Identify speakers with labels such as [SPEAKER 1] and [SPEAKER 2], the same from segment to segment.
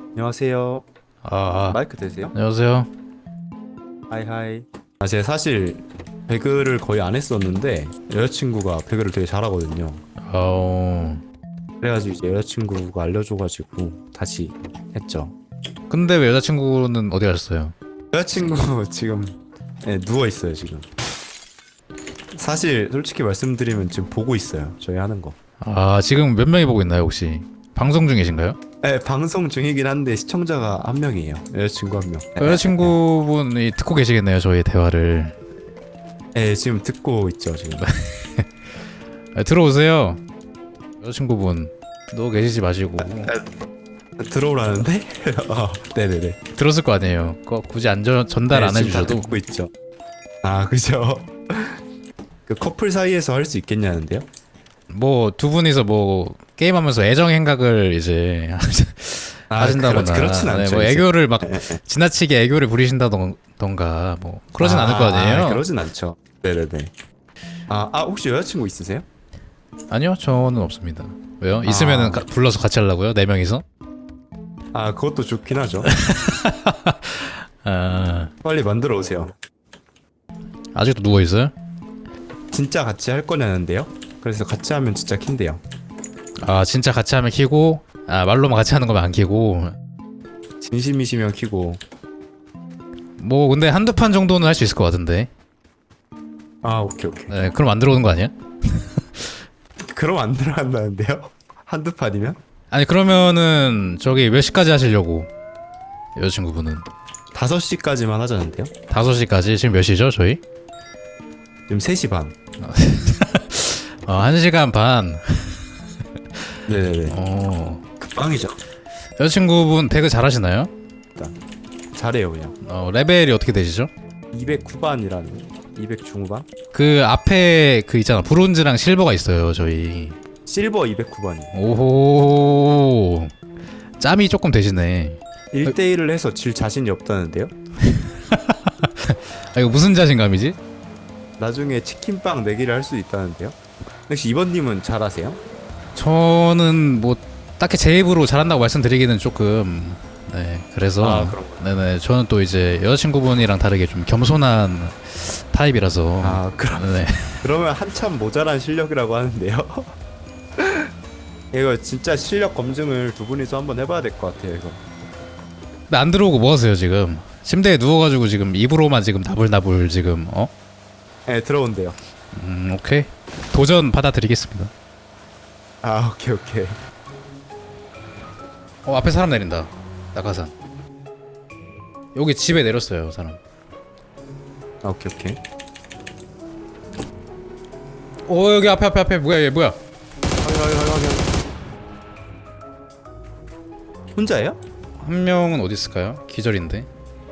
[SPEAKER 1] 안녕하세요. 마이크 되세요?
[SPEAKER 2] 안녕하세요.
[SPEAKER 1] 하이하이. 제가 사실 배그를 거의 안 했었는데 여자친구가 배그를 되게 잘하거든요.
[SPEAKER 2] 어,
[SPEAKER 1] 그래가지고 이제 여자친구가 알려줘가지고 다시 했죠.
[SPEAKER 2] 근데 왜 여자친구는 어디 가셨어요?
[SPEAKER 1] 여자친구 지금 누워 있어요 지금. 사실 솔직히 말씀드리면 지금 보고 있어요. 저희 하는 거.
[SPEAKER 2] 아, 지금 몇 명이 보고 있나요, 혹시? 방송 중이신가요?
[SPEAKER 1] 네, 방송 중이긴 한데 시청자가 한 명이에요. 여자친구 한 명.
[SPEAKER 2] 여자친구분이 듣고 계시겠네요, 저희 대화를.
[SPEAKER 1] 네, 지금 듣고 있죠 지금.
[SPEAKER 2] 들어오세요. 여자친구분 누워 계시지 마시고.
[SPEAKER 1] 들어오라는데? 네네네.
[SPEAKER 2] 들었을 거 아니에요. 그거 굳이 전달 안
[SPEAKER 1] 지금 다
[SPEAKER 2] 해주셔도.
[SPEAKER 1] 듣고 있죠. 아 그죠. 그 커플 사이에서 할 수 있겠냐는데요?
[SPEAKER 2] 뭐 두 분이서 뭐 게임하면서 애정 행각을 이제 하신다거나,
[SPEAKER 1] 그렇진 않죠.
[SPEAKER 2] 뭐
[SPEAKER 1] 이제.
[SPEAKER 2] 애교를 막
[SPEAKER 1] 예, 예.
[SPEAKER 2] 지나치게 애교를 부리신다던가 뭐 그러진 않을 거 아니에요.
[SPEAKER 1] 그러진 않죠. 네네네. 혹시 여자친구 있으세요?
[SPEAKER 2] 아니요, 저는 없습니다. 왜요? 있으면은 불러서 같이 하려고요? 네 명이서?
[SPEAKER 1] 그것도 좋긴 하죠.
[SPEAKER 2] 아,
[SPEAKER 1] 빨리 만들어 오세요.
[SPEAKER 2] 아직도 누워 있어요?
[SPEAKER 1] 진짜 같이 할 거냐는데요? 그래서 같이 하면 진짜 킨대요.
[SPEAKER 2] 아, 진짜 같이 하면 키고, 아, 말로만 같이 하는 거면 안 키고.
[SPEAKER 1] 진심이시면 키고.
[SPEAKER 2] 뭐 근데 한두 판 정도는 할 수 있을 것 같은데.
[SPEAKER 1] 오케이.
[SPEAKER 2] 네, 그럼 안 들어오는 거 아니야?
[SPEAKER 1] 그럼 안 들어간다는데요? 한두 판이면?
[SPEAKER 2] 아니, 그러면은 저기 몇 시까지 하시려고? 여자친구분은
[SPEAKER 1] 5시까지만 하자는데요?
[SPEAKER 2] 5시까지? 지금 몇 시죠, 저희?
[SPEAKER 1] 지금 3시 반.
[SPEAKER 2] 1시간 반.
[SPEAKER 1] 네네네. 빵이죠.
[SPEAKER 2] 여자친구분 배그 잘하시나요?
[SPEAKER 1] 잘해요 그냥.
[SPEAKER 2] 레벨이 어떻게 되시죠?
[SPEAKER 1] 209반이라는 200 중후반?
[SPEAKER 2] 그 앞에 그 있잖아, 브론즈랑 실버가 있어요, 저희.
[SPEAKER 1] 실버 209반이요.
[SPEAKER 2] 오호, 짬이 조금 되시네.
[SPEAKER 1] 1대1을 해서 질 자신이 없다는데요?
[SPEAKER 2] 이거 무슨 자신감이지?
[SPEAKER 1] 나중에 치킨빵 내기를 할 수 있다는데요? 혹시 이번님은 잘하세요?
[SPEAKER 2] 저는 뭐 딱히 제 입으로 잘한다고 말씀드리기는 조금, 네, 그래서
[SPEAKER 1] 그런 거.
[SPEAKER 2] 네네, 저는 또 이제 여자친구분이랑 다르게 좀 겸손한 타입이라서. 네.
[SPEAKER 1] 그러면 한참 모자란 실력이라고 하는데요? 이거 진짜 실력 검증을 두 분이서 한번 해봐야 될 것 같아요 이거.
[SPEAKER 2] 근데 안 들어오고 뭐 하세요 지금? 침대에 누워가지고 지금 입으로만 지금 나불나불 지금
[SPEAKER 1] 네 들어온대요.
[SPEAKER 2] 오케이, 도전 받아드리겠습니다.
[SPEAKER 1] 오케이.
[SPEAKER 2] 앞에 사람 내린다. 낙하산. 여기 집에 내렸어요 사람.
[SPEAKER 1] 오케이.
[SPEAKER 2] 여기 앞에 뭐야, 얘 뭐야?
[SPEAKER 1] 확인. 혼자예요?
[SPEAKER 2] 한 명은 어디 있을까요? 기절인데.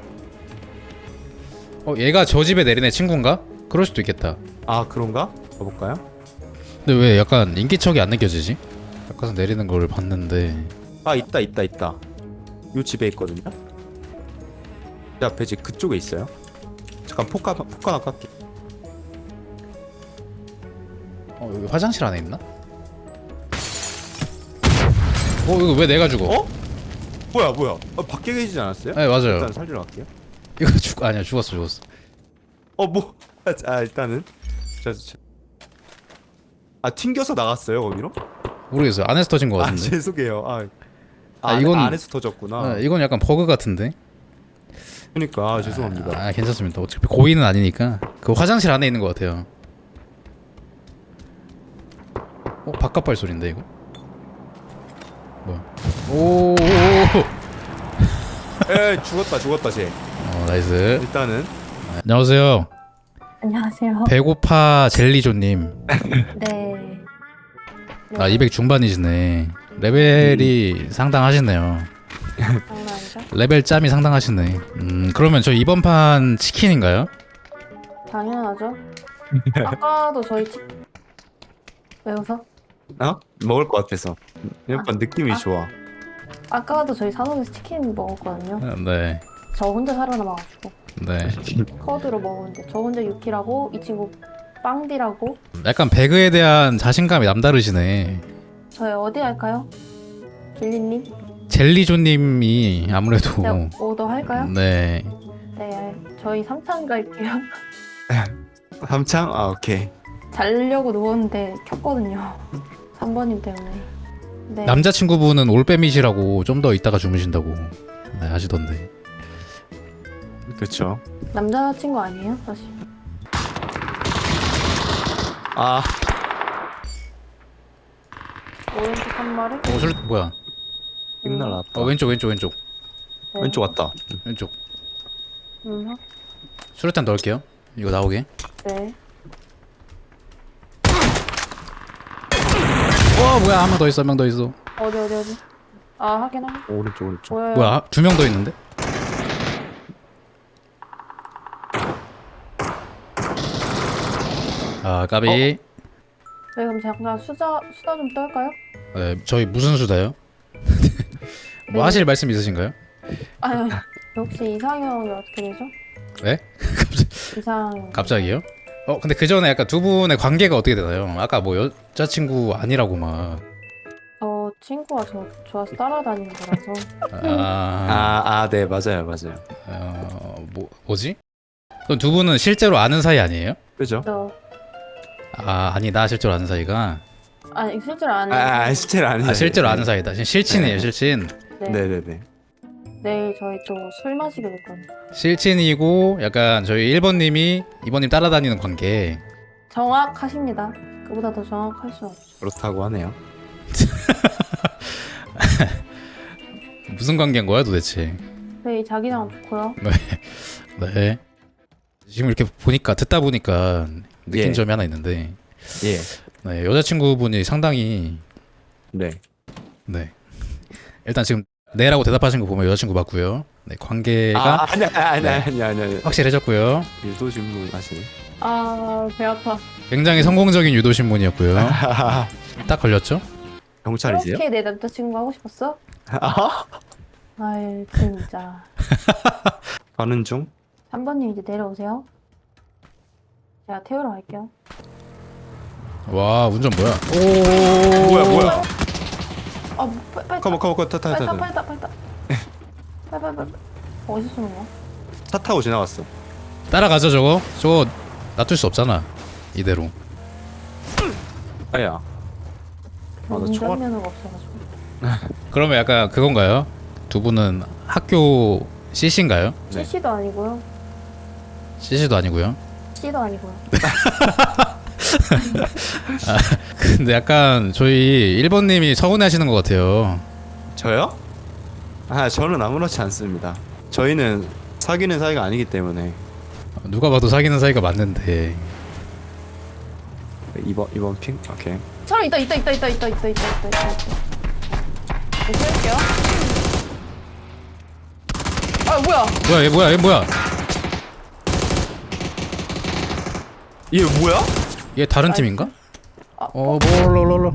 [SPEAKER 2] 얘가 저 집에 내린 애 친구인가? 그럴 수도 있겠다.
[SPEAKER 1] 그런가? 가볼까요?
[SPEAKER 2] 근데 왜 약간 인기척이 안 느껴지지? 낙하산 내리는 걸 봤는데.
[SPEAKER 1] 있다. 요 집에 있거든요? 제 앞에 집 그쪽에 있어요. 잠깐 폭 하나 깎게.
[SPEAKER 2] 여기 화장실 안에 있나? 이거 왜 내가 죽어?
[SPEAKER 1] 뭐야 밖에 계시지 않았어요?
[SPEAKER 2] 네, 맞아요.
[SPEAKER 1] 일단 살리러 갈게요.
[SPEAKER 2] 이거 아니야, 죽었어.
[SPEAKER 1] 일단은 튕겨서 나갔어요 거기로?
[SPEAKER 2] 모르겠어요. 안에서 터진 거 같은데.
[SPEAKER 1] 죄송해요.
[SPEAKER 2] 이건
[SPEAKER 1] 안에서 터졌구나.
[SPEAKER 2] 이건 약간 버그 같은데.
[SPEAKER 1] 그러니까 죄송합니다.
[SPEAKER 2] 괜찮습니다. 어차피 고의는 아니니까. 그 화장실 안에 있는 것 같아요. 바깥 발소리인데 이거? 뭐야? 오.
[SPEAKER 1] 죽었다 쟤.
[SPEAKER 2] 나이스.
[SPEAKER 1] 일단은
[SPEAKER 2] 안녕하세요.
[SPEAKER 3] 안녕하세요.
[SPEAKER 2] 배고파 젤리조님.
[SPEAKER 3] 네.
[SPEAKER 2] 200 중반이시네. 레벨이 상당하시네요.
[SPEAKER 3] 장난이죠?
[SPEAKER 2] 레벨 짬이 상당하시네. 그러면 저 이번 판 치킨인가요?
[SPEAKER 3] 당연하죠. 아까도 저희 왜 웃어?
[SPEAKER 1] 먹을 것 같아서. 약간 느낌이 좋아.
[SPEAKER 3] 아까도 저희 산업에서 치킨 먹었거든요.
[SPEAKER 2] 네.
[SPEAKER 3] 저 혼자 살아남아가지고
[SPEAKER 2] 네.
[SPEAKER 3] 커드로 먹었는데 저 혼자 6킬하고 이 친구 빵디라고.
[SPEAKER 2] 약간 배그에 대한 자신감이 남다르시네.
[SPEAKER 3] 저희 어디 할까요? 길리님?
[SPEAKER 2] 젤리조님이 아무래도
[SPEAKER 3] 제가 오더 할까요?
[SPEAKER 2] 네.
[SPEAKER 3] 네, 저희 3탄 갈게요.
[SPEAKER 1] 삼창? 아 오케이.
[SPEAKER 3] 자려고 누웠는데 켰거든요. 3번님 때문에. 네.
[SPEAKER 2] 남자친구분은 올빼미시라고 좀 더 있다가 주무신다고 네, 하시던데.
[SPEAKER 1] 그쵸.
[SPEAKER 3] 남자친구 아니에요? 사실.
[SPEAKER 1] 아
[SPEAKER 3] 오른쪽 한 마리?
[SPEAKER 2] 뭐야?
[SPEAKER 1] 삥 날라왔다.
[SPEAKER 2] 왼쪽.
[SPEAKER 3] 네.
[SPEAKER 1] 왼쪽 왔다.
[SPEAKER 2] 왼쪽.
[SPEAKER 3] 음,
[SPEAKER 2] 수류탄 넣을게요. 이거 나오게.
[SPEAKER 3] 네.
[SPEAKER 2] 뭐야? 한 명 더 있어.
[SPEAKER 3] 어디. 아, 하긴.
[SPEAKER 1] 오른쪽.
[SPEAKER 3] 보여요.
[SPEAKER 2] 뭐야? 2명 더 있는데? 아, 까비.
[SPEAKER 3] 네, 그럼 잠깐 수다 좀 떨까요?
[SPEAKER 2] 네, 저희 무슨 수다요? 뭐 하실 말씀 있으신가요?
[SPEAKER 3] 아유, 혹시 이상형이 어떻게 되죠?
[SPEAKER 2] 네?
[SPEAKER 3] 이상.
[SPEAKER 2] 갑자기요? 근데 그 전에 약간 두 분의 관계가 어떻게 되나요? 아까 뭐 여자친구 아니라고 막.
[SPEAKER 3] 저 친구가 저 좋아서 따라다니는 거라서.
[SPEAKER 1] 네 맞아요.
[SPEAKER 2] 뭐지? 그럼 두 분은 실제로 아는 사이 아니에요?
[SPEAKER 1] 그죠?
[SPEAKER 3] 저
[SPEAKER 2] 아니다. 실제로 아는 사이가.
[SPEAKER 3] 아니 실제로 아는.
[SPEAKER 1] 실제로 아니에요.
[SPEAKER 2] 실제로 아는 사이다. 실친이에요,
[SPEAKER 1] 네.
[SPEAKER 2] 실친.
[SPEAKER 3] 네.
[SPEAKER 1] 네네네.
[SPEAKER 3] 내일 저희 또 술 마시게 될 거예요.
[SPEAKER 2] 실친이고 약간 저희 1번님이 2번님 따라다니는 관계.
[SPEAKER 3] 정확하십니다. 그보다 더 정확할 수 없죠.
[SPEAKER 1] 그렇다고 하네요.
[SPEAKER 2] 무슨 관계인 거야 도대체?
[SPEAKER 3] 저희 자기장 좋고요.
[SPEAKER 2] 네. 지금 이렇게 듣다 보니까 느낀
[SPEAKER 1] 예.
[SPEAKER 2] 점이 하나 있는데,
[SPEAKER 1] 예.
[SPEAKER 2] 네, 여자친구분이 상당히
[SPEAKER 1] 네.
[SPEAKER 2] 네. 일단 지금 네라고 대답하신 거 보면 여자친구 맞고요. 네, 관계가
[SPEAKER 1] 아니야.
[SPEAKER 2] 확실해졌고요.
[SPEAKER 1] 유도 질문 하시네.
[SPEAKER 3] 배 아파.
[SPEAKER 2] 굉장히 성공적인 유도 신문이었고요. 딱 걸렸죠?
[SPEAKER 1] 경찰이세요?
[SPEAKER 3] 그렇게 내 남자친구 하고 싶었어? 아이 진짜.
[SPEAKER 1] 가는 중?
[SPEAKER 3] 3번님 이제 내려오세요. 제가 태우러 갈게요.
[SPEAKER 2] 와, 운전 뭐야?
[SPEAKER 1] 뭐야?
[SPEAKER 3] 아 빨리
[SPEAKER 1] 컴온
[SPEAKER 3] 빨리
[SPEAKER 1] 타.
[SPEAKER 3] 어디서 쏘는 거야?
[SPEAKER 1] 차 타고 지나갔어.
[SPEAKER 2] 따라가죠 저거? 저거 놔둘 수 없잖아. 이대로.
[SPEAKER 1] 아야. 나 총알.
[SPEAKER 3] 운전면허가 없어가지고.
[SPEAKER 2] 그러면 약간 그건가요? 두 분은 학교 CC인가요?
[SPEAKER 1] 네.
[SPEAKER 3] CC도 아니고요.
[SPEAKER 2] CC도 아니고요.
[SPEAKER 3] C도 아니고요.
[SPEAKER 2] 근데 약간 저희 1번님이 서운해하시는 것 같아요.
[SPEAKER 1] 저요? 저는 아무렇지 않습니다. 저희는 사귀는 사이가 아니기 때문에.
[SPEAKER 2] 누가 봐도 사귀는 사이가 맞는데.
[SPEAKER 1] 이번 핑? 오케이.
[SPEAKER 3] 사람 있다. 세울게요. 아 뭐야?
[SPEAKER 2] 얘 뭐야?
[SPEAKER 1] 얘 뭐야?
[SPEAKER 2] 얘 다른
[SPEAKER 3] 나이스.
[SPEAKER 2] 팀인가?
[SPEAKER 3] 아,
[SPEAKER 2] 몰라.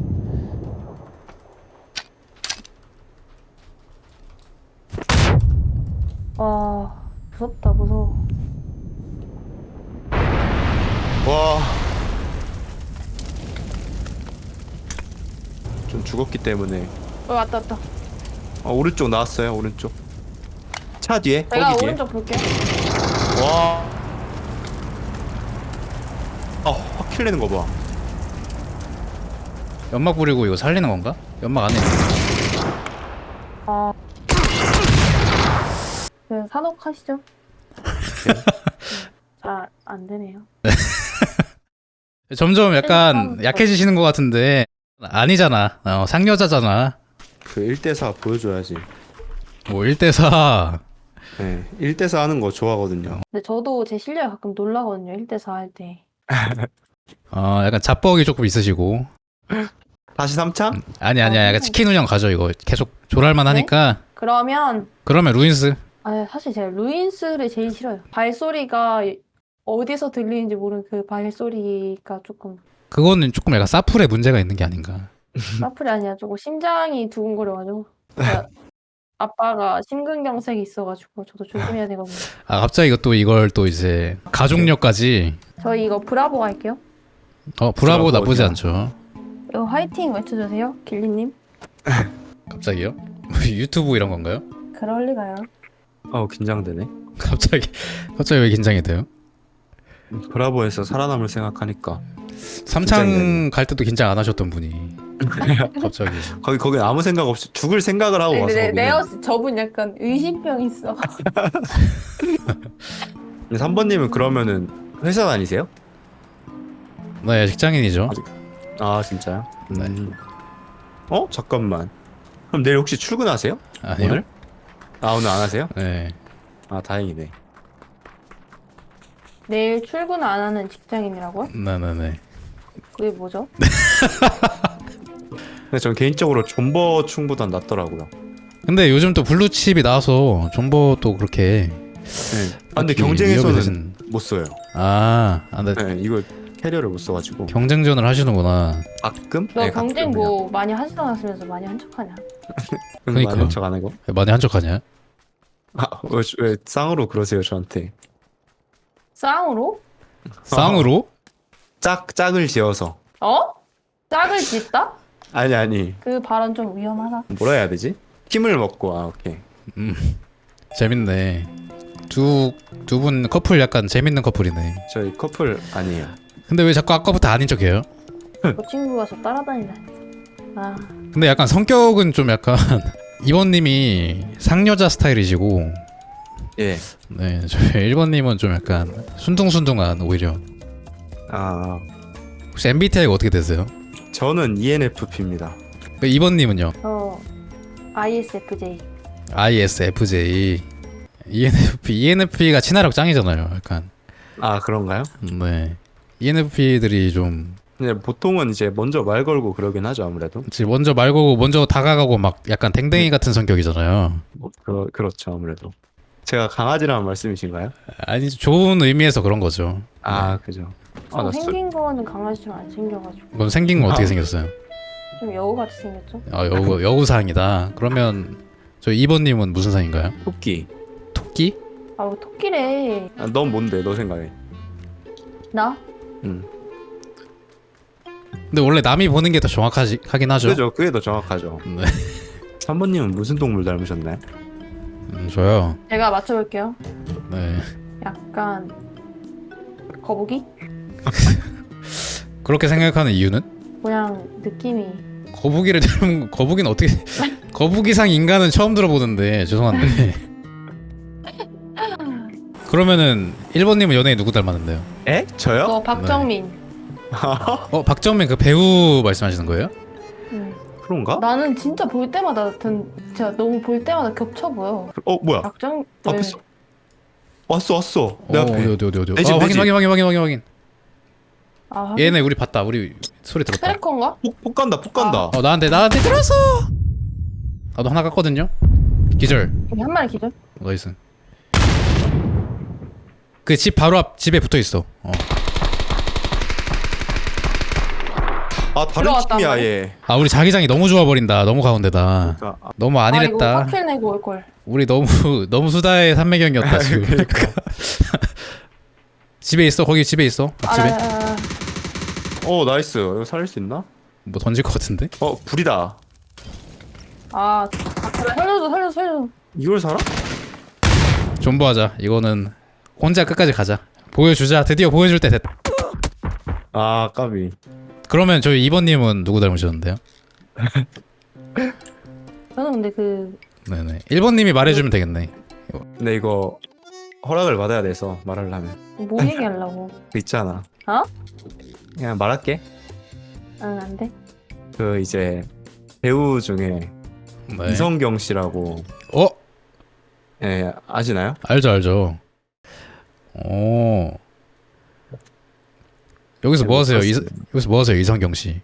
[SPEAKER 3] 무서워.
[SPEAKER 1] 와. 좀 죽었기 때문에.
[SPEAKER 3] 왔다.
[SPEAKER 1] 오른쪽 나왔어요. 오른쪽. 차 뒤에.
[SPEAKER 3] 내가
[SPEAKER 1] 거기 뒤에.
[SPEAKER 3] 오른쪽 볼게.
[SPEAKER 1] 와. 확킬 내는 거 봐.
[SPEAKER 2] 연막 부리고 이거 살리는 건가? 연막 안에 있는
[SPEAKER 3] 네, 산옥하시죠. 잘 안 되네요.
[SPEAKER 2] 점점 약간 약해지시는 것 같은데 아니잖아. 상여자잖아.
[SPEAKER 1] 그 1대4 보여줘야지.
[SPEAKER 2] 뭐 1대4.
[SPEAKER 1] 네. 1대4 하는 거 좋아하거든요.
[SPEAKER 3] 근데 저도 제 실력에 가끔 놀라거든요. 1대4 할 때.
[SPEAKER 2] 약간 잡벅이 조금 있으시고.
[SPEAKER 1] 다시 3창?
[SPEAKER 2] 아니야. 약간 치킨 운영 가죠 이거. 계속 조랄만 하니까.
[SPEAKER 3] 그러면
[SPEAKER 2] 그러면 루인스.
[SPEAKER 3] 사실 제가 루인스를 제일 싫어요. 발소리가 어디서 들리는지 모르는 그 발소리가 조금
[SPEAKER 2] 그거는 조금 약간 사풀에 문제가 있는 게 아닌가.
[SPEAKER 3] 사플이 아니라 조금 심장이 두근거려가지고 제가 아빠가 심근경색이 있어가지고 저도 조심해야 되거든요.
[SPEAKER 2] 갑자기 이걸 또 이제 가족력까지.
[SPEAKER 3] 저희 이거 브라보 갈게요.
[SPEAKER 2] 브라보
[SPEAKER 1] 브라보
[SPEAKER 2] 나쁘지
[SPEAKER 1] 어디야?
[SPEAKER 2] 않죠.
[SPEAKER 3] 이거 화이팅 외쳐주세요, 길리님.
[SPEAKER 2] 갑자기요? 유튜브 이런 건가요?
[SPEAKER 3] 그럴 리가요.
[SPEAKER 1] 긴장되네.
[SPEAKER 2] 갑자기 왜 긴장이 돼요?
[SPEAKER 1] 브라보에서 살아남을 생각하니까.
[SPEAKER 2] 3창 갈 때도 긴장 안 하셨던 분이 갑자기.
[SPEAKER 1] 거기 아무 생각 없이 죽을 생각을 하고 와서.
[SPEAKER 3] 근데
[SPEAKER 1] 거기는.
[SPEAKER 3] 네오스 저분 약간 의심병 있어.
[SPEAKER 1] 근데 3번님은 그러면은 회사 다니세요?
[SPEAKER 2] 네, 직장인이죠.
[SPEAKER 1] 아 진짜요?
[SPEAKER 2] 네.
[SPEAKER 1] 잠깐만. 그럼 내일 혹시 출근하세요?
[SPEAKER 2] 아니요.
[SPEAKER 1] 오늘? 오늘 안 하세요?
[SPEAKER 2] 네.
[SPEAKER 1] 다행이네.
[SPEAKER 3] 내일 출근 안 하는 직장인이라고요?
[SPEAKER 2] 네네네.
[SPEAKER 3] 그게 뭐죠?
[SPEAKER 1] 근데 전 개인적으로 존버충보단 낫더라고요.
[SPEAKER 2] 근데 요즘 또 블루칩이 나와서 존버도 그렇게.
[SPEAKER 1] 네. 근데
[SPEAKER 2] 딱히
[SPEAKER 1] 경쟁에서는
[SPEAKER 2] 위협이 되진-
[SPEAKER 1] 못 써요.
[SPEAKER 2] 근데
[SPEAKER 1] 네, 이거 캐리어를 못 써가지고.
[SPEAKER 2] 경쟁전을 하시는구나.
[SPEAKER 1] 가끔?
[SPEAKER 3] 너
[SPEAKER 1] 네,
[SPEAKER 3] 경쟁
[SPEAKER 1] 가끔
[SPEAKER 3] 뭐 많이 하지도 않았으면서 많이 한 척하냐?
[SPEAKER 1] 그냥.
[SPEAKER 2] 그러니까.
[SPEAKER 1] 많은 척안 하고.
[SPEAKER 2] 많이 한적하냐?
[SPEAKER 1] 왜 쌍으로 그러세요 저한테?
[SPEAKER 3] 쌍으로?
[SPEAKER 2] 쌍으로?
[SPEAKER 1] 짝을 지어서.
[SPEAKER 3] 짝을 짓다?
[SPEAKER 1] 아니
[SPEAKER 3] 그 발언 좀 위험하다.
[SPEAKER 1] 뭐라 해야 되지? 힘을 먹고. 오케이.
[SPEAKER 2] 재밌네. 두 분 커플 약간 재밌는 커플이네.
[SPEAKER 1] 저희 커플 아니에요.
[SPEAKER 2] 근데 왜 자꾸 아까부터 아닌 척해요?
[SPEAKER 3] 그 친구가 저 따라다니다. 아,
[SPEAKER 2] 근데 약간 성격은 좀 약간 이번님이 상여자 스타일이시고,
[SPEAKER 1] 예.
[SPEAKER 2] 네, 저희 1번님은 좀 약간 순둥순둥한 오히려. 혹시 MBTI가 어떻게 되세요?
[SPEAKER 1] 저는 ENFP입니다.
[SPEAKER 2] 2번님은요?
[SPEAKER 3] 저 ISFJ.
[SPEAKER 2] ISFJ. ENFP가 친화력 짱이잖아요. 약간.
[SPEAKER 1] 그런가요?
[SPEAKER 2] 네. ENFP들이 좀
[SPEAKER 1] 근데 보통은 이제 먼저 말 걸고 그러긴 하죠 아무래도.
[SPEAKER 2] 먼저 말 걸고 먼저 다가가고 막 약간 댕댕이 같은 성격이잖아요.
[SPEAKER 1] 그렇죠 아무래도. 제가 강아지라는 말씀이신가요?
[SPEAKER 2] 아니 좋은 의미에서 그런 거죠.
[SPEAKER 1] 그죠.
[SPEAKER 3] 저
[SPEAKER 1] 나
[SPEAKER 3] 생긴 거는 강아지처럼 안 생겨가지고
[SPEAKER 2] 그럼 생긴 건 어떻게 생겼어요?
[SPEAKER 3] 좀 여우같이 생겼죠?
[SPEAKER 2] 여우상이다. 그러면 저 2번님은 무슨 상인가요?
[SPEAKER 1] 토끼.
[SPEAKER 2] 토끼?
[SPEAKER 3] 뭐 토끼래.
[SPEAKER 1] 넌 뭔데 너 생각에?
[SPEAKER 3] 나?
[SPEAKER 2] 근데 원래 남이 보는 게 더 정확하긴 하죠.
[SPEAKER 1] 그죠. 그게 더 정확하죠.
[SPEAKER 2] 네.
[SPEAKER 1] 3번님은 무슨 동물 닮으셨나요?
[SPEAKER 2] 저요.
[SPEAKER 3] 제가 맞춰볼게요.
[SPEAKER 2] 네.
[SPEAKER 3] 약간 거북이?
[SPEAKER 2] 그렇게 생각하는 이유는?
[SPEAKER 3] 그냥 느낌이
[SPEAKER 2] 거북이를 닮은 거북이는 어떻게 거북이상 인간은 처음 들어보는데 죄송한데. 그러면은 1번님은 연예인 누구 닮았는데요?
[SPEAKER 1] 에? 저요?
[SPEAKER 3] 너 박정민.
[SPEAKER 2] 박정민 그 배우 말씀하시는 거예요?
[SPEAKER 3] 응.
[SPEAKER 1] 그런가?
[SPEAKER 3] 나는 진짜 볼 때마다 진짜 너무 볼 때마다 겹쳐 보여.
[SPEAKER 1] 뭐야?
[SPEAKER 3] 박정
[SPEAKER 1] 앞에서 왔어 내 앞에.
[SPEAKER 2] 어디
[SPEAKER 1] 내 집, 내 집.
[SPEAKER 2] 확인.
[SPEAKER 3] 아,
[SPEAKER 2] 얘네 우리 봤다. 우리 소리 들었다.
[SPEAKER 3] 트래커인가?
[SPEAKER 1] 폭 간다.
[SPEAKER 2] 나한테 들었어. 나도 하나 깠거든요. 기절.
[SPEAKER 3] 여기 한 마리 기절.
[SPEAKER 2] 나이스. 그 집 바로 앞 집에 붙어 있어.
[SPEAKER 1] 다른
[SPEAKER 3] 들어왔단
[SPEAKER 1] 팀이야
[SPEAKER 3] 말이야?
[SPEAKER 1] 얘.
[SPEAKER 2] 우리 자기장이 너무 좋아 버린다. 너무 가운데다.
[SPEAKER 1] 그러니까,
[SPEAKER 2] 너무
[SPEAKER 3] 이거
[SPEAKER 2] 안일했다.
[SPEAKER 3] 확킬 내고 올 걸.
[SPEAKER 2] 우리 너무 수다의 삼매경이었다 지금.
[SPEAKER 1] 그러니까.
[SPEAKER 2] 집에 있어. 거기 집에 있어. 앞집에.
[SPEAKER 1] 나이스. 이거 살릴 수 있나?
[SPEAKER 2] 뭐 던질 것 같은데?
[SPEAKER 1] 불이다.
[SPEAKER 3] 그래, 살려줘.
[SPEAKER 1] 이걸 살아?
[SPEAKER 2] 존버하자. 이거는 혼자 끝까지 가자. 보여주자. 드디어 보여줄 때 됐다.
[SPEAKER 1] 까비.
[SPEAKER 2] 그러면 저희 2번님은 누구 닮으셨는데요?
[SPEAKER 3] 저는 근데
[SPEAKER 2] 네네. 1번님이 말해주면 되겠네.
[SPEAKER 1] 근데 이거 허락을 받아야 돼서 말하려면.
[SPEAKER 3] 뭐 얘기하려고?
[SPEAKER 1] 그 있잖아. 그냥 말할게.
[SPEAKER 3] 응, 안 돼.
[SPEAKER 1] 그 이제 배우 중에
[SPEAKER 2] 네.
[SPEAKER 1] 이성경 씨라고. 예, 아시나요?
[SPEAKER 2] 알죠. 여기서 뭐 하세요? 여기서 뭐 하세요, 이성경 씨?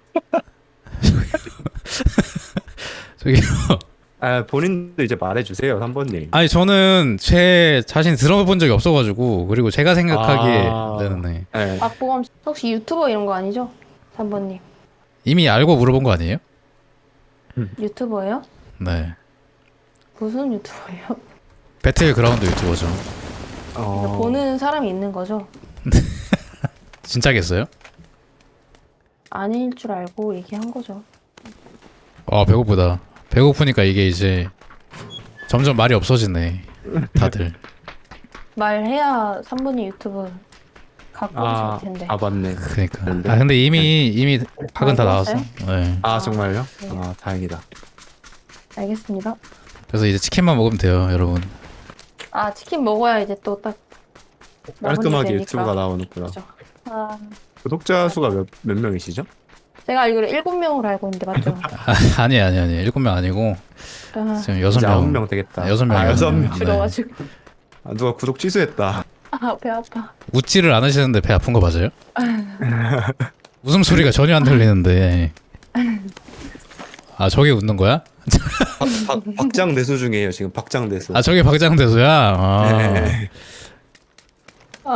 [SPEAKER 2] 저기
[SPEAKER 1] 본인도 이제 말해주세요, 3번님.
[SPEAKER 2] 아니 저는 제 자신 들어본 적이 없어가지고 그리고 제가 생각하기에 네네.
[SPEAKER 1] 네.
[SPEAKER 3] 박보검 씨 혹시 유튜버 이런 거 아니죠? 3번님
[SPEAKER 2] 이미 알고 물어본 거 아니에요?
[SPEAKER 3] 유튜버예요?
[SPEAKER 2] 네.
[SPEAKER 3] 무슨 유튜버예요?
[SPEAKER 2] 배틀그라운드 유튜버죠.
[SPEAKER 3] 그러니까 보는 사람이 있는 거죠?
[SPEAKER 2] 진짜겠어요?
[SPEAKER 3] 아닐 줄 알고 얘기한 거죠.
[SPEAKER 2] 배고프다. 배고프니까 이게 이제 점점 말이 없어지네. 다들.
[SPEAKER 3] 말해야 3분이 유튜브 갖고
[SPEAKER 1] 아,
[SPEAKER 3] 오실 텐데.
[SPEAKER 1] 아 맞네.
[SPEAKER 2] 그러니까.
[SPEAKER 1] 그런데?
[SPEAKER 2] 아 근데 이미 각은 다 나왔어.
[SPEAKER 3] 먹었어요?
[SPEAKER 2] 네.
[SPEAKER 1] 아 정말요?
[SPEAKER 3] 네.
[SPEAKER 1] 아 다행이다.
[SPEAKER 3] 알겠습니다.
[SPEAKER 2] 그래서 이제 치킨만 먹으면 돼요, 여러분.
[SPEAKER 3] 아 치킨 먹어야 이제 또 딱
[SPEAKER 1] 깔끔하게 유튜브가 나오는구나.
[SPEAKER 3] 그죠. 아
[SPEAKER 1] 구독자 수가 몇 명이시죠?
[SPEAKER 3] 제가 알기로 7명으로 알고 있는데 맞죠?
[SPEAKER 2] 아니 7명 아니고
[SPEAKER 3] 아,
[SPEAKER 2] 지금
[SPEAKER 1] 이제
[SPEAKER 2] 6명.
[SPEAKER 1] 9명 되겠다.
[SPEAKER 2] 6명.
[SPEAKER 1] 아 6명.
[SPEAKER 2] 네.
[SPEAKER 3] 줄여가지고
[SPEAKER 1] 아, 누가 구독 취소했다.
[SPEAKER 3] 아 배 아파.
[SPEAKER 2] 웃지를 않으시는데 배 아픈 거 맞아요? 웃음소리가 전혀 안 들리는데. 아 저게 웃는 거야?
[SPEAKER 1] 박장 내수 중이에요 지금 박장 내수.
[SPEAKER 2] 아 저게 박장대소야? 아.
[SPEAKER 1] 네.
[SPEAKER 3] 아,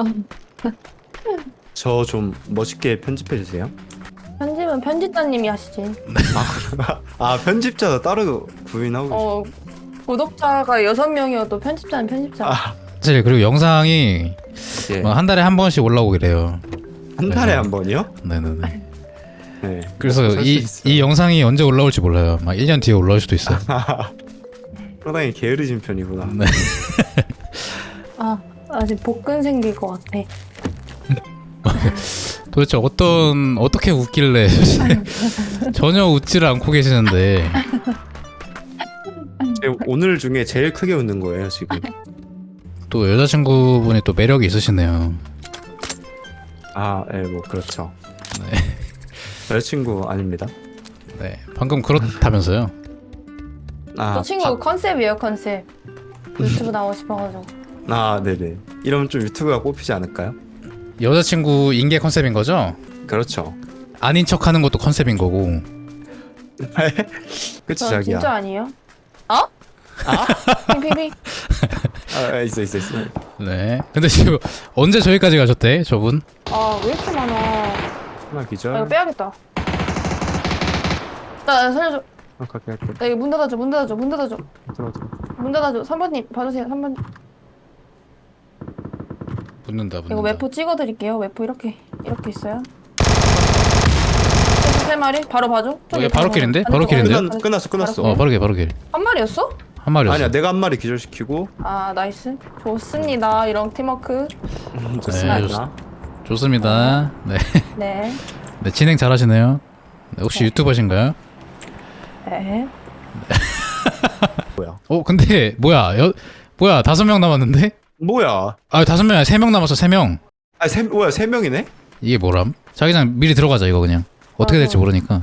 [SPEAKER 1] 저 좀 멋있게 편집해 주세요.
[SPEAKER 3] 편집은 편집자님이 하시지.
[SPEAKER 1] 아 편집자도 따로 구인하고
[SPEAKER 3] 어 구독자가 6명이어도 편집자는 편집자.
[SPEAKER 1] 아,
[SPEAKER 2] 사실 그리고 영상이
[SPEAKER 1] 예.
[SPEAKER 2] 한 달에 한 번씩 올라오게 돼요.
[SPEAKER 1] 한 달에 한 번이요?
[SPEAKER 2] 네네네.
[SPEAKER 1] 네.
[SPEAKER 2] 그래서
[SPEAKER 1] 설수 있어요.
[SPEAKER 2] 이 영상이 언제 올라올지 몰라요. 막 1년 뒤에 올라올 수도 있어요.
[SPEAKER 1] 상당히 게으르신 편이구나.
[SPEAKER 2] 네.
[SPEAKER 3] 아 아직 복근 생길 것 같아.
[SPEAKER 2] 도대체 어떻게 웃길래 전혀 웃지를 않고 계시는데.
[SPEAKER 1] 오늘 중에 제일 크게 웃는 거예요 지금.
[SPEAKER 2] 또 여자친구분이 또 매력이 있으시네요.
[SPEAKER 1] 아, 예, 뭐 그렇죠. 여자친구 아닙니다.
[SPEAKER 2] 네, 방금 그렇다면서요.
[SPEAKER 1] 아,
[SPEAKER 3] 저 친구 컨셉이에요 컨셉. 유튜브 나오고 싶어가지고.
[SPEAKER 1] 아, 네네. 이러면 좀 유튜브가 뽑히지 않을까요?
[SPEAKER 2] 여자친구 인계 컨셉인 거죠?
[SPEAKER 1] 그렇죠.
[SPEAKER 2] 아닌 척하는 것도 컨셉인 거고.
[SPEAKER 1] 그치
[SPEAKER 3] 저
[SPEAKER 1] 자기야.
[SPEAKER 3] 진짜 아니에요? 어? 핑핑핑.
[SPEAKER 1] 아, 있어.
[SPEAKER 2] 네. 근데 지금 언제 저기까지 가셨대, 저분?
[SPEAKER 3] 아왜 이렇게 많아?
[SPEAKER 1] 하나
[SPEAKER 3] 아
[SPEAKER 1] 기절.
[SPEAKER 3] 이거 빼야겠다. 나 살려줘.
[SPEAKER 1] 갈게.
[SPEAKER 3] 나 이거 문 닫아줘.
[SPEAKER 1] 들어.
[SPEAKER 3] 문 닫아줘. 3번님 봐주세요. 3번.
[SPEAKER 2] 붙는다.
[SPEAKER 3] 이거 웨포 찍어드릴게요. 웨포 이렇게 있어요. 세 마리 바로 봐줘.
[SPEAKER 2] 얘 바로 킬인데? 바로 킬인데요?
[SPEAKER 1] 끝났어.
[SPEAKER 2] 바로 길.
[SPEAKER 3] 한 마리였어?
[SPEAKER 2] 한 마리였어.
[SPEAKER 1] 아니야, 내가 한 마리 기절시키고.
[SPEAKER 3] 아 나이스. 좋습니다. 이런 팀워크.
[SPEAKER 1] 좋습니다.
[SPEAKER 2] 좋습니다. 네.
[SPEAKER 3] 네.
[SPEAKER 2] 네, 진행 잘하시네요. 네, 혹시 유튜버신가요?
[SPEAKER 3] 네.
[SPEAKER 1] 뭐야?
[SPEAKER 2] 근데 뭐야? 뭐야? 5명 남았는데?
[SPEAKER 1] 뭐야?
[SPEAKER 2] 아, 5명 아니라 3명 남았어. 3명.
[SPEAKER 1] 아, 뭐야? 3명이네?
[SPEAKER 2] 이게 뭐람? 자기장 미리 들어가자 이거 그냥. 어떻게 될지 모르니까.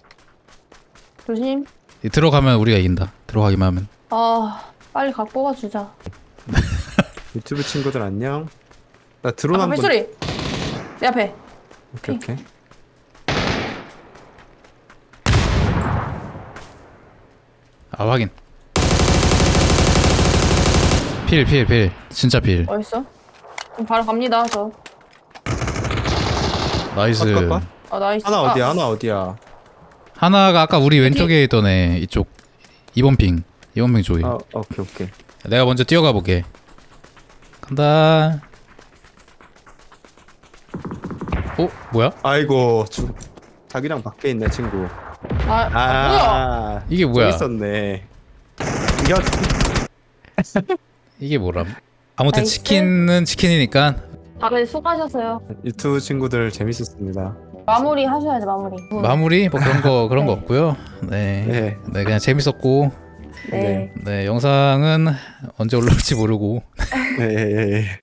[SPEAKER 3] 조심.
[SPEAKER 2] 들어가면 우리가 이긴다. 들어가기만 하면.
[SPEAKER 3] 아 빨리 각 뽑아주자.
[SPEAKER 1] 유튜브 친구들 안녕. 나 드론
[SPEAKER 3] 아
[SPEAKER 1] 한번.
[SPEAKER 3] 발소리. 내 앞에.
[SPEAKER 1] 오케이.
[SPEAKER 2] 아, 확인. 필. 진짜 필.
[SPEAKER 3] 어딨어? 그럼 바로 갑니다. 저.
[SPEAKER 2] 나이스.
[SPEAKER 1] 컷.
[SPEAKER 3] 아 나이스.
[SPEAKER 1] 하나 어디야? 하나 어디야?
[SPEAKER 2] 하나가 아까 우리 왼쪽에 있던 애 이쪽 2번 핑 쪽에.
[SPEAKER 1] 아, 오케이.
[SPEAKER 2] 내가 먼저 뛰어가 볼게. 간다. 뭐야?
[SPEAKER 1] 아이고, 자기랑 밖에 있네 친구.
[SPEAKER 3] 뭐야?
[SPEAKER 1] 아,
[SPEAKER 2] 이게 뭐야?
[SPEAKER 1] 저기 있었네.
[SPEAKER 2] 이게 뭐람? 아무튼
[SPEAKER 3] 나이스.
[SPEAKER 2] 치킨은 치킨이니까.
[SPEAKER 3] 다들 수고하셨어요.
[SPEAKER 1] 유튜브 친구들 재밌었습니다.
[SPEAKER 3] 마무리 하셔야지 마무리.
[SPEAKER 2] 마무리 뭐 그런 거
[SPEAKER 3] 네.
[SPEAKER 2] 없고요. 네.
[SPEAKER 1] 네.
[SPEAKER 2] 네, 그냥 재밌었고.
[SPEAKER 3] 네.
[SPEAKER 2] 네, 영상은 언제 올라올지 모르고
[SPEAKER 1] 네.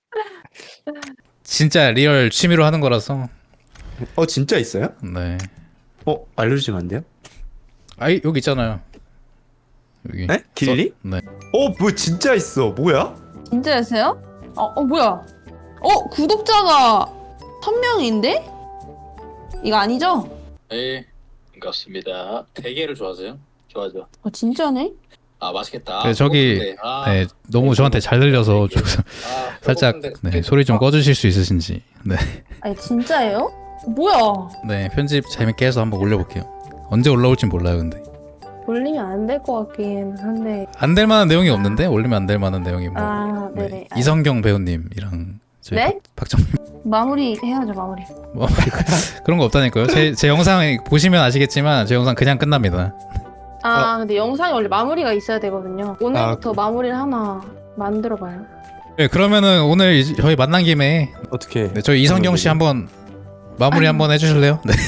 [SPEAKER 2] 진짜 리얼 취미로 하는 거라서.
[SPEAKER 1] 진짜 있어요?
[SPEAKER 2] 네.
[SPEAKER 1] 알려주시면 안 돼요?
[SPEAKER 2] 아이 여기 있잖아요. 여기.
[SPEAKER 1] 네? 길리?
[SPEAKER 2] 네.
[SPEAKER 1] 뭐 진짜 있어. 뭐야?
[SPEAKER 3] 진짜였어요? 뭐야? 구독자가 1000명인데? 이거 아니죠?
[SPEAKER 4] 네, 반갑습니다. 대게를 좋아하세요? 좋아하죠.
[SPEAKER 3] 진짜네?
[SPEAKER 4] 아, 맛있겠다.
[SPEAKER 2] 네, 저기
[SPEAKER 4] 배고픈데.
[SPEAKER 2] 네, 너무 저한테 잘 들려서 좀 살짝 네, 소리 좀 꺼주실 수 있으신지. 네.
[SPEAKER 3] 아니 진짜예요? 뭐야?
[SPEAKER 2] 네, 편집 재밌게 해서 한번 올려볼게요. 언제 올라올진 몰라요, 근데.
[SPEAKER 3] 올리면 안 될 것 같긴 한데.
[SPEAKER 2] 안 될 만한 내용이 없는데 올리면 안 될 만한 내용이 뭐.
[SPEAKER 3] 네네.
[SPEAKER 2] 네, 이성경 배우님이랑 저희
[SPEAKER 3] 네?
[SPEAKER 2] 박정
[SPEAKER 3] 마무리 해야죠 마무리.
[SPEAKER 2] 뭐 그런 거 없다니까요. 제 영상 보시면 아시겠지만 제 영상 그냥 끝납니다.
[SPEAKER 3] 근데 영상이 원래 마무리가 있어야 되거든요. 오늘부터 마무리를 하나 만들어봐요.
[SPEAKER 2] 네, 그러면은 오늘 저희 만난 김에
[SPEAKER 1] 어떻게?
[SPEAKER 2] 네, 저희 이성경 씨 한번 마무리 한번 해주실래요? 네.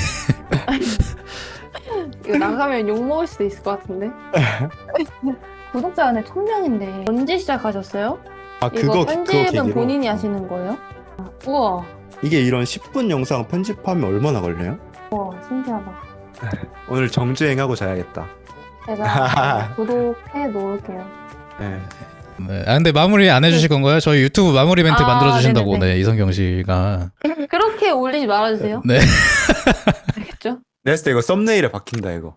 [SPEAKER 3] 이거 나가면 욕 먹을 수도 있을 것 같은데. 구독자 안에 1000명인데 언제 시작하셨어요? 이거 편집은
[SPEAKER 1] 계기로?
[SPEAKER 3] 본인이 하시는 거예요? 우와,
[SPEAKER 1] 이게 이런 10분 영상 편집하면 얼마나 걸려요?
[SPEAKER 3] 우와, 신기하다.
[SPEAKER 1] 오늘 정주행하고 자야겠다.
[SPEAKER 3] 제가 구독해 놓을게요.
[SPEAKER 1] 네.
[SPEAKER 2] 네. 근데 마무리 안 해주실 건가요? 저희 유튜브 마무리 멘트 만들어 주신다고
[SPEAKER 3] 네네네.
[SPEAKER 2] 네, 이성경 씨가.
[SPEAKER 3] 그렇게 올리지 말아주세요.
[SPEAKER 2] 네.
[SPEAKER 3] 알겠죠?
[SPEAKER 1] 내가 했을 때 이거 썸네일에 박힌다 이거.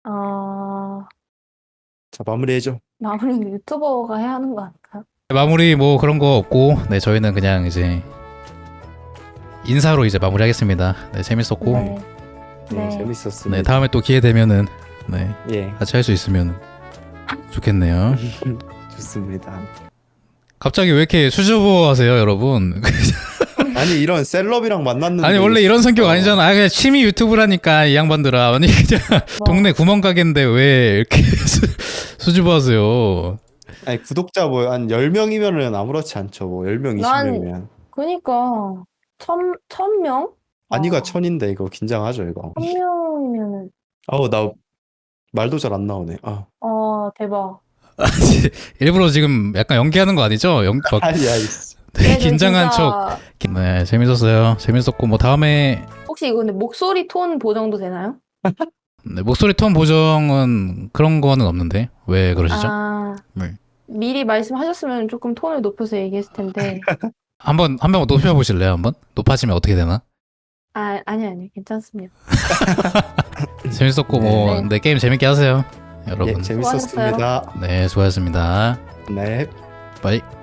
[SPEAKER 1] 자 마무리해줘.
[SPEAKER 3] 마무리는 유튜버가 해야 하는 거 아닐까요?
[SPEAKER 2] 마무리 뭐 그런 거 없고, 네 저희는 그냥 이제 인사로 이제 마무리하겠습니다. 네 재밌었고,
[SPEAKER 3] 네.
[SPEAKER 1] 네,
[SPEAKER 3] 네.
[SPEAKER 1] 재밌었습니다.
[SPEAKER 2] 네 다음에 또 기회 되면은 네
[SPEAKER 1] 예,
[SPEAKER 2] 같이 할 수 있으면 좋겠네요.
[SPEAKER 1] 좋습니다.
[SPEAKER 2] 갑자기 왜 이렇게 수줍어하세요, 여러분?
[SPEAKER 1] 아니 이런 셀럽이랑 만났는데
[SPEAKER 2] 아니 원래 이런 성격 아니잖아. 그냥 취미 유튜브라니까 이 양반들아. 아니 그냥 동네 구멍가게인데 왜 이렇게 수줍어하세요?
[SPEAKER 1] 아니 구독자 뭐 한 10명이면은 아무렇지 않죠. 뭐 10명,
[SPEAKER 3] 난-
[SPEAKER 1] 20명이면.
[SPEAKER 3] 그니까 1000명?
[SPEAKER 1] 아니가 1000인데 이거 긴장하죠 이거.
[SPEAKER 3] 1000명이면은
[SPEAKER 1] 아우 나 말도 잘 안 나오네. 아.
[SPEAKER 3] 대박.
[SPEAKER 2] 일부러 지금 약간 연기하는 거 아니죠? 막
[SPEAKER 1] 아니야.
[SPEAKER 2] 되게
[SPEAKER 3] 네, 저
[SPEAKER 2] 긴장한
[SPEAKER 3] 진짜-
[SPEAKER 2] 척. 네 재밌었어요. 재밌었고 뭐 다음에
[SPEAKER 3] 혹시 이거 근데 목소리 톤 보정도 되나요?
[SPEAKER 2] 네, 목소리 톤 보정은 그런 거는 없는데 왜 그러시죠? 네.
[SPEAKER 3] 미리 말씀하셨으면 조금 톤을 높여서 얘기했을 텐데.
[SPEAKER 2] 한번 높여보실래요? 한번 높아지면 어떻게 되나?
[SPEAKER 3] 아니 괜찮습니다.
[SPEAKER 2] 재밌었고
[SPEAKER 1] 네.
[SPEAKER 2] 뭐 네, 게임 재밌게 하세요,
[SPEAKER 1] 예,
[SPEAKER 2] 여러분.
[SPEAKER 1] 재밌었습니다.
[SPEAKER 2] 네 수고하셨습니다.
[SPEAKER 1] 네.
[SPEAKER 2] 바이.